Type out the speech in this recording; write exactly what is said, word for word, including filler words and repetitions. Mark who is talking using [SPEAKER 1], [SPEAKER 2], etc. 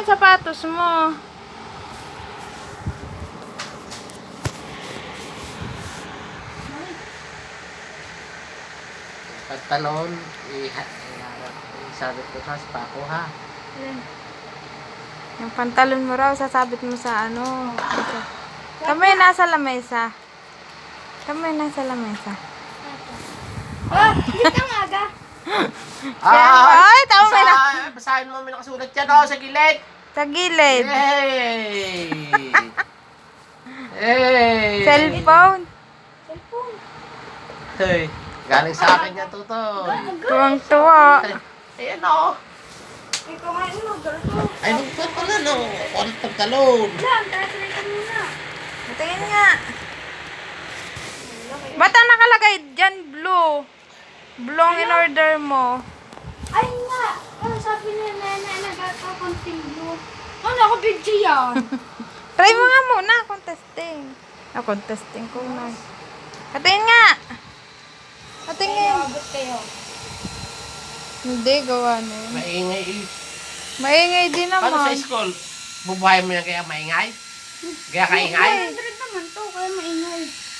[SPEAKER 1] yung sapatos mo.
[SPEAKER 2] Pantalon, isabit ko sa spako ha.
[SPEAKER 1] Yung pantalon mo raw, sasabit mo sa ano. Kamay nasa lamesa. Kamay nasa lamesa.
[SPEAKER 3] Ah, hindi ka maga.
[SPEAKER 1] Ay, tama mo na.
[SPEAKER 2] Basahin, basahin mo, may nakasulat yan oh, sa gilid.
[SPEAKER 1] Sa gilid.
[SPEAKER 2] Hey! Hey!
[SPEAKER 1] Cellphone.
[SPEAKER 3] Cellphone.
[SPEAKER 2] Hey, galing sa akin yan, Tutoy.
[SPEAKER 1] Tuwang-tuwa.
[SPEAKER 2] Ayan o.
[SPEAKER 3] Ay, kumain mo. Ganito.
[SPEAKER 2] Ay, nagpot pala no. Kulit pagtalon.
[SPEAKER 3] Lang, translate ka muna.
[SPEAKER 1] Tingin nga. Ba't ang nakalagay dyan blue? Blue ang in-order mo.
[SPEAKER 3] Ay nga. Ano sabi ni Nene, nagkaka-continue. Ano, ako video yan.
[SPEAKER 1] Try mo nga muna, contesting. Ah, contesting ko na. Katingin nga. Katingin.
[SPEAKER 3] Abot kayo.
[SPEAKER 1] Hindi, gawa na yun.
[SPEAKER 2] Maingay eh.
[SPEAKER 1] Maingay din
[SPEAKER 2] Paano sa
[SPEAKER 1] naman.
[SPEAKER 2] school? Bubuhay mo yan kaya maingay? Kaya kaingay?
[SPEAKER 3] Hundred naman to, kaya maingay.